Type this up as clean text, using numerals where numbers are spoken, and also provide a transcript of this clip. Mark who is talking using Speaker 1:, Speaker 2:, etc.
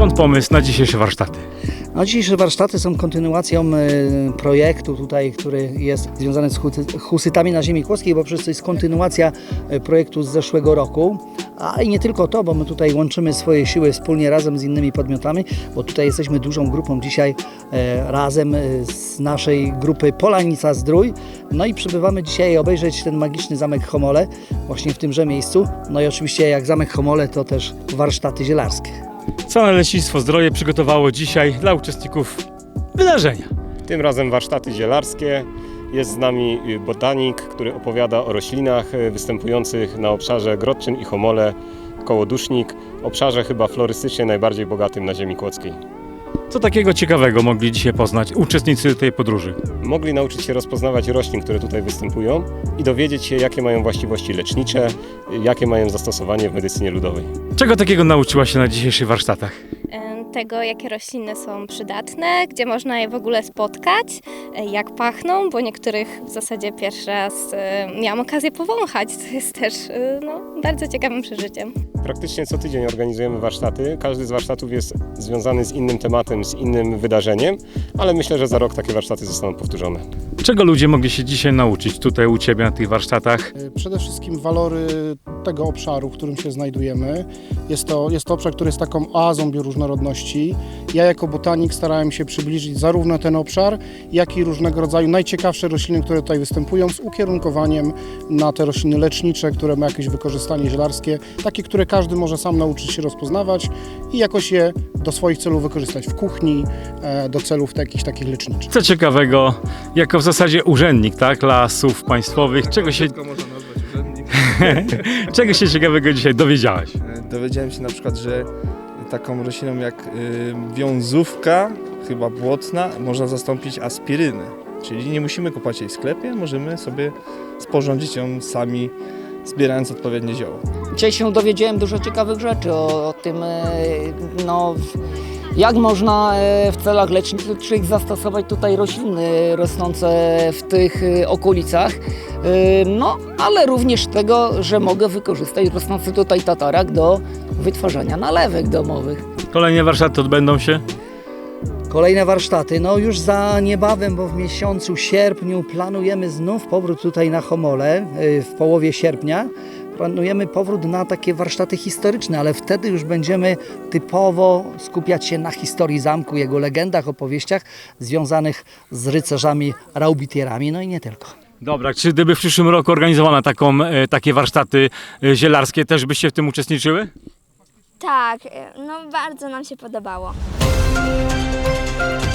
Speaker 1: Skąd pomysł na dzisiejsze warsztaty?
Speaker 2: No, dzisiejsze warsztaty są kontynuacją projektu tutaj, który jest związany z husytami na ziemi kłodzkiej, bo przecież to jest kontynuacja projektu z zeszłego roku. A i nie tylko to, bo my tutaj łączymy swoje siły wspólnie razem z innymi podmiotami, bo tutaj jesteśmy dużą grupą dzisiaj razem z naszej grupy Polanica Zdrój. No i przybywamy dzisiaj obejrzeć ten magiczny Zamek Chomole właśnie w tymże miejscu. No i oczywiście jak Zamek Chomole to też warsztaty zielarskie.
Speaker 1: Co Leśnictwo Zdroje przygotowało dzisiaj dla uczestników wydarzenia?
Speaker 3: Tym razem warsztaty zielarskie. Jest z nami botanik, który opowiada o roślinach występujących na obszarze Grodczyn i Chomole, Kołodusznik, obszarze chyba florystycznie najbardziej bogatym na ziemi kłodzkiej.
Speaker 1: Co takiego ciekawego mogli dzisiaj poznać uczestnicy tej podróży?
Speaker 3: Mogli nauczyć się rozpoznawać roślin, które tutaj występują i dowiedzieć się, jakie mają właściwości lecznicze, jakie mają zastosowanie w medycynie ludowej.
Speaker 1: Czego takiego nauczyła się na dzisiejszych warsztatach?
Speaker 4: Tego, jakie rośliny są przydatne, gdzie można je w ogóle spotkać, jak pachną, bo niektórych w zasadzie pierwszy raz miałam okazję powąchać, co jest też bardzo ciekawym przeżyciem.
Speaker 3: Praktycznie co tydzień organizujemy warsztaty. Każdy z warsztatów jest związany z innym tematem, z innym wydarzeniem, ale myślę, że za rok takie warsztaty zostaną powtórzone.
Speaker 1: Czego ludzie mogli się dzisiaj nauczyć tutaj u Ciebie na tych warsztatach?
Speaker 5: Przede wszystkim walory tego obszaru, w którym się znajdujemy. Jest to obszar, który jest taką oazą bioróżnorodności. Ja jako botanik starałem się przybliżyć zarówno ten obszar, jak i różnego rodzaju najciekawsze rośliny, które tutaj występują, z ukierunkowaniem na te rośliny lecznicze, które ma jakieś wykorzystanie zielarskie, takie, które każdy może sam nauczyć się rozpoznawać i jakoś je do swoich celów wykorzystać w kuchni, do celów jakichś takich leczniczych.
Speaker 1: Co ciekawego, jako w zasadzie urzędnik, tak, Lasów Państwowych, czego się ciekawego dzisiaj dowiedziałeś?
Speaker 6: Dowiedziałem się na przykład, że taką rośliną jak wiązówka, chyba błotna, można zastąpić aspirynę. Czyli nie musimy kupować jej w sklepie, możemy sobie sporządzić ją sami, zbierając odpowiednie zioło.
Speaker 7: Dzisiaj się dowiedziałem dużo ciekawych rzeczy o tym, jak można w celach leczniczych zastosować tutaj rośliny rosnące w tych okolicach, ale również tego, że mogę wykorzystać rosnący tutaj tatarak do wytwarzania nalewek domowych.
Speaker 1: Kolejne warsztaty odbędą się?
Speaker 2: Kolejne warsztaty, już za niebawem, bo w miesiącu sierpniu planujemy znów powrót tutaj na Chomole w połowie sierpnia. Planujemy powrót na takie warsztaty historyczne, ale wtedy już będziemy typowo skupiać się na historii zamku, jego legendach, opowieściach związanych z rycerzami, raubitierami, no i nie tylko.
Speaker 1: Dobra, czy gdyby w przyszłym roku organizowano takie warsztaty zielarskie, też byście w tym uczestniczyły?
Speaker 8: Tak, bardzo nam się podobało.